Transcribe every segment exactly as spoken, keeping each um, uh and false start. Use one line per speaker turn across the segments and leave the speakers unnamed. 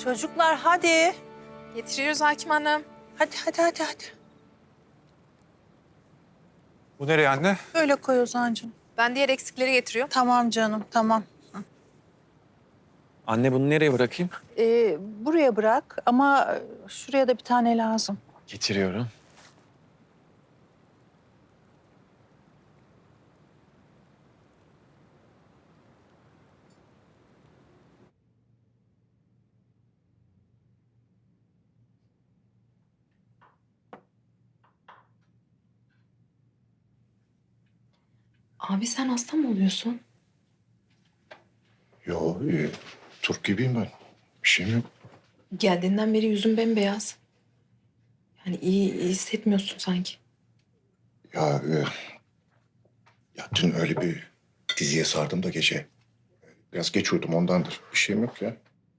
Çocuklar hadi.
Getiriyoruz Hakim Hanım.
Hadi hadi hadi hadi.
Bu nereye anne?
Böyle koy Ozan'cığım.
Ben diğer eksikleri getiriyorum.
Tamam canım tamam.
Anne bunu nereye bırakayım?
Ee, buraya bırak ama şuraya da bir tane lazım.
Getiriyorum.
Abi sen hasta mı oluyorsun?
Yo, iyi. Turp gibiyim ben. Bir şeyim yok.
Geldiğinden beri yüzün bembeyaz. Yani iyi, iyi hissetmiyorsun sanki.
Ya, e, ya dün öyle bir diziye sardım da gece. Biraz geç uyudum ondandır. Bir şeyim yok ya.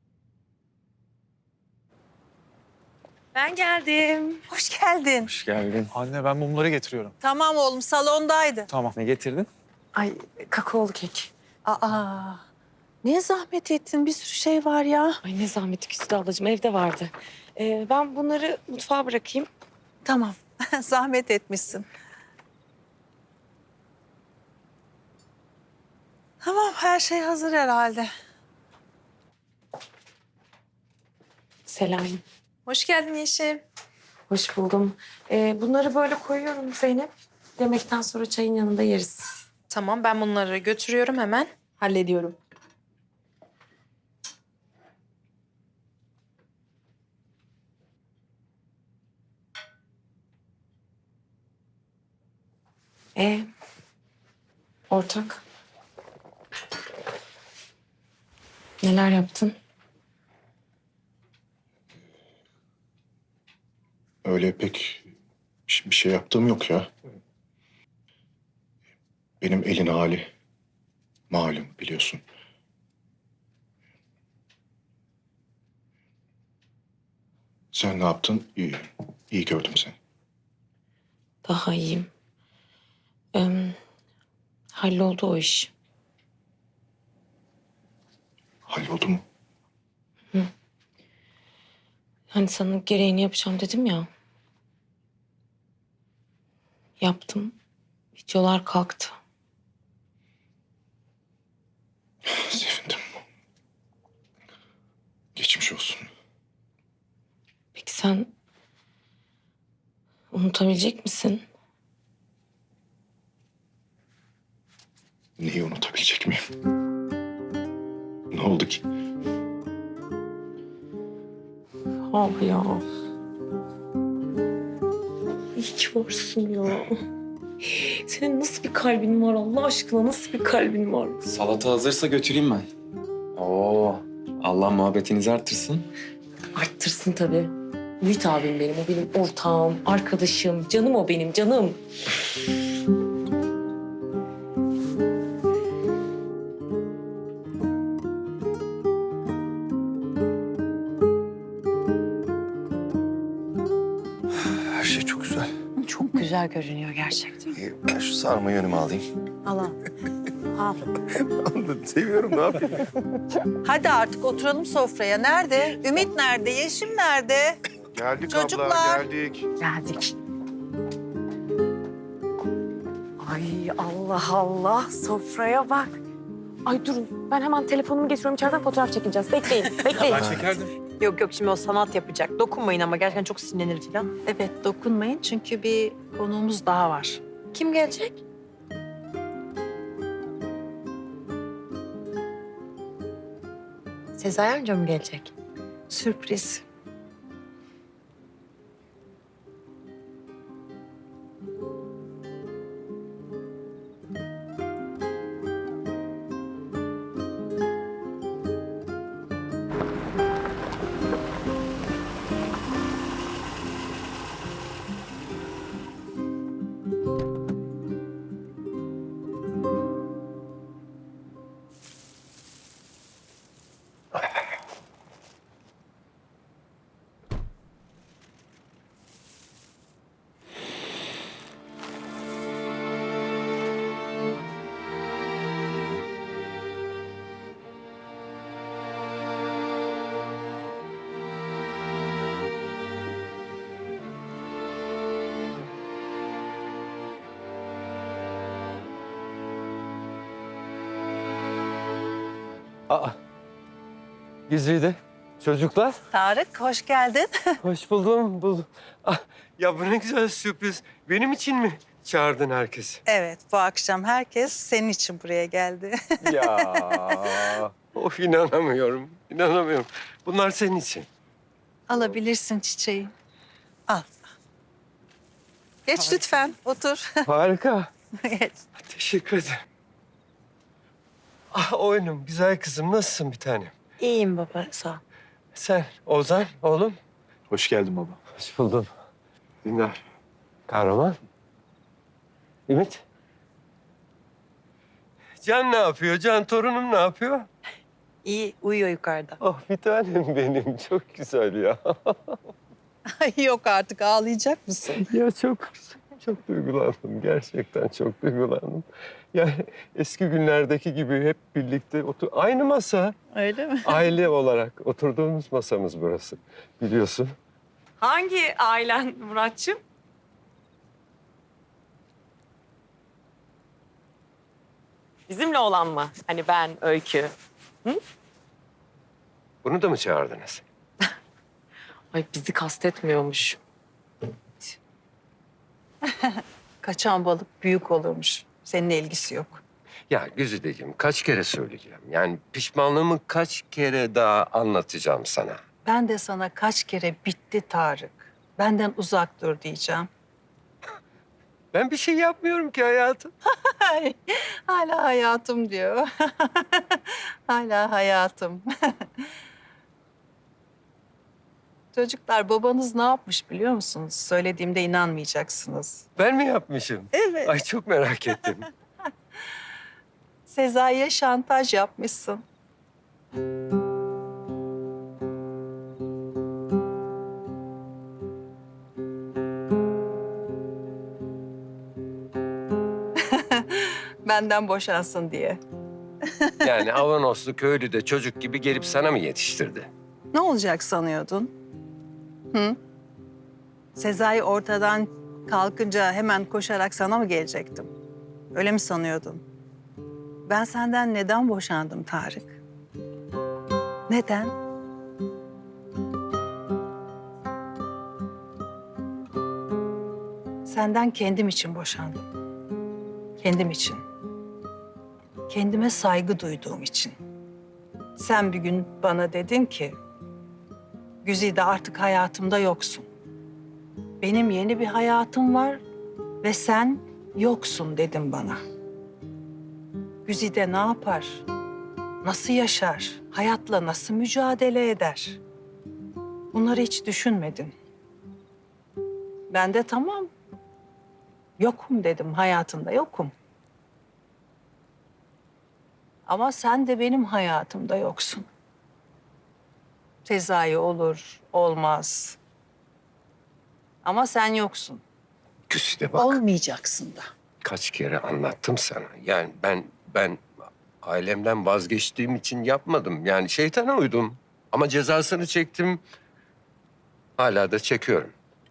Ben geldim.
Hoş geldin.
Hoş geldin. Anne ben mumları getiriyorum.
Tamam oğlum salondaydı.
Tamam. Ne getirdin?
Ay kakaolu kek.
Aa, ne zahmet ettin bir sürü şey var ya.
Ay ne zahmeti Güzide ablacığım evde vardı. Ee, ben bunları mutfağa bırakayım.
Tamam zahmet etmişsin. Tamam her şey hazır herhalde.
Selam.
Hoş geldin Yeşim.
Hoş buldum. Ee, bunları böyle koyuyorum Zeynep. Yemekten sonra çayın yanında yeriz.
Tamam, ben bunları götürüyorum hemen. Hallediyorum.
Ee, ortak. Neler yaptın?
Öyle pek bir bir şey yaptığım yok ya. Benim elin hali malum biliyorsun. Sen ne yaptın? İyi, iyi gördüm seni.
Daha iyiyim. Ee, halloldu o iş.
Halloldu mu?
Hani sana gereğini yapacağım dedim ya. Yaptım. Videolar kalktı.
Sevindim. Geçmiş olsun.
Peki sen unutabilecek misin?
Neyi unutabilecek miyim? Ne oldu ki?
Ah ya. İyi ki varsın ya. Senin nasıl bir kalbin var Allah aşkına? Nasıl bir kalbin var?
Salata hazırsa götüreyim ben. Oo, Allah muhabbetinizi artırsın.
Arttırsın tabii. Ümit abim benim, o benim ortağım, arkadaşım, canım o benim, canım.
Her şey çok güzel.
Çok güzel görünüyor gerçekten.
İyi, ben şu sarmayı önüme alayım.
Al al. Al.
Seviyorum, ne yapayım?
Hadi artık oturalım sofraya. Nerede? Ümit nerede? Yeşim nerede?
Geldik
Çocuklar.
abla, geldik.
Geldik. Ay Allah Allah, sofraya bak. Ay durun, ben hemen telefonumu getiriyorum. İçeriden fotoğraf çekeceğiz. Bekleyin, bekleyin.
Ben çekerdim.
Yok yok şimdi o sanat yapacak. Dokunmayın ama gerçekten çok sinirlenir falan.
Evet dokunmayın çünkü bir konuğumuz daha var.
Kim gelecek?
Sezai amca mı gelecek?
Sürpriz.
Aa. Güzide. Çocuklar.
Tarık hoş geldin.
Hoş buldum. buldum. Ah, ya bu ne güzel sürpriz. Benim için mi çağırdın herkesi?
Evet, bu akşam herkes senin için buraya geldi.
Ya. Of inanamıyorum. İnanamıyorum. Bunlar senin için.
Alabilirsin çiçeği. Al. Geç lütfen, otur.
Harika.
Geç.
Teşekkür ederim. Ah oyunum, güzel kızım. Nasılsın bir tanem?
İyiyim baba sağ ol.
Sen, Ozan, oğlum.
Hoş geldin baba.
Hoş buldum. Dinler. Kahraman. Ümit. Can ne yapıyor? Can torunum ne yapıyor?
İyi uyuyor yukarıda.
Oh bir tanem benim. Çok güzel ya.
Ay yok artık, ağlayacak mısın?
ya çok çok duygulandım. Gerçekten çok duygulandım. Yani eski günlerdeki gibi hep birlikte otur. Aynı masa.
Öyle mi?
Aile olarak oturduğumuz masamız burası. Biliyorsun.
Hangi ailen Muratçım? Bizimle olan mı? Hani ben, Öykü.
Bunu da mı çağırdınız?
Ay bizi kastetmiyormuş.
Kaçan balık büyük olurmuş. Seninle ilgisi yok.
Ya Güzideciğim kaç kere söyleyeceğim. Yani pişmanlığımı kaç kere daha anlatacağım sana.
Ben de sana kaç kere bitti Tarık. Benden uzak dur diyeceğim.
Ben bir şey yapmıyorum ki hayatım.
Ay, hala hayatım diyor. Hala hayatım. Çocuklar babanız ne yapmış biliyor musunuz? Söylediğimde inanmayacaksınız.
Ben mi yapmışım?
Evet.
Ay çok merak ettim.
Sezai'ye şantaj yapmışsın. Benden boşansın diye.
Yani Avanoslu köylü de çocuk gibi gelip sana mı yetiştirdi?
Ne olacak sanıyordun? Hı? Sezai ortadan kalkınca hemen koşarak sana mı gelecektim? Öyle mi sanıyordun? Ben senden neden boşandım Tarık? Neden? Senden kendim için boşandım. Kendim için. Kendime saygı duyduğum için. Sen bir gün bana dedin ki, Güzide artık hayatımda yoksun. Benim yeni bir hayatım var ve sen yoksun dedin bana. Güzide ne yapar? Nasıl yaşar? Hayatla nasıl mücadele eder? Bunları hiç düşünmedin. Ben de tamam. Yokum dedim, hayatında yokum. Ama sen de benim hayatımda yoksun. Sezai olur, olmaz. Ama sen yoksun.
Güzide bak.
Olmayacaksın da.
Kaç kere anlattım sana. Yani ben ben ailemden vazgeçtiğim için yapmadım. Yani şeytana uydum. Ama cezasını çektim. Hala da çekiyorum.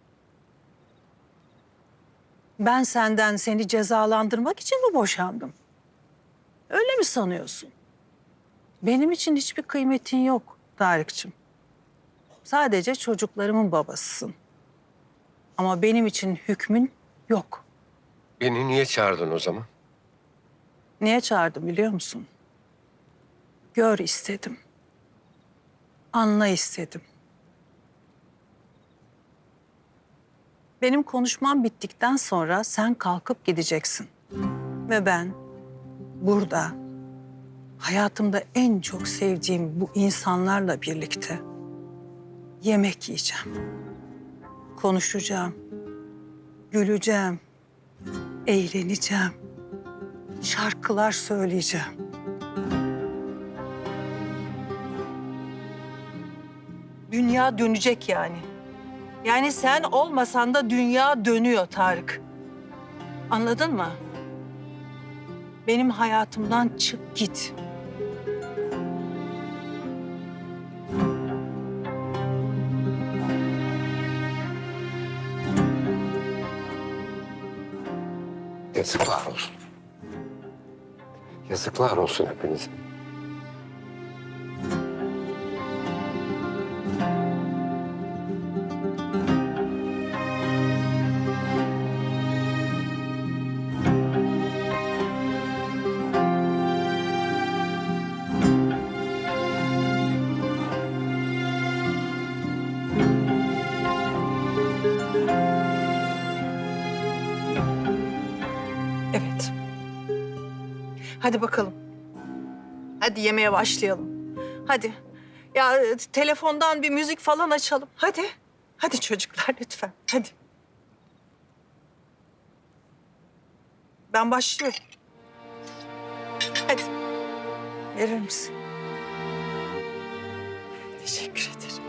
Ben senden seni cezalandırmak için mi boşandım? Öyle mi sanıyorsun? Benim için hiçbir kıymetin yok Tarık'cığım. Sadece çocuklarımın babasısın. Ama benim için hükmün yok.
Beni niye çağırdın o zaman?
Niye çağırdım biliyor musun? Gör istedim. Anla istedim. Benim konuşmam bittikten sonra sen kalkıp gideceksin. Ve ben burada hayatımda en çok sevdiğim bu insanlarla birlikte yemek yiyeceğim. Konuşacağım. Güleceğim. Eğleneceğim. Şarkılar söyleyeceğim. Dünya dönecek yani. Yani sen olmasan da dünya dönüyor Tarık. Anladın mı? Benim hayatımdan çık git.
Yazıklar olsun. Yazıklar olsun hepinize.
Hadi bakalım. Hadi yemeğe başlayalım. Hadi. Ya e, telefondan bir müzik falan açalım. Hadi. Hadi çocuklar lütfen. Hadi. Ben başlıyorum. Hadi. Verir misin? Teşekkür ederim.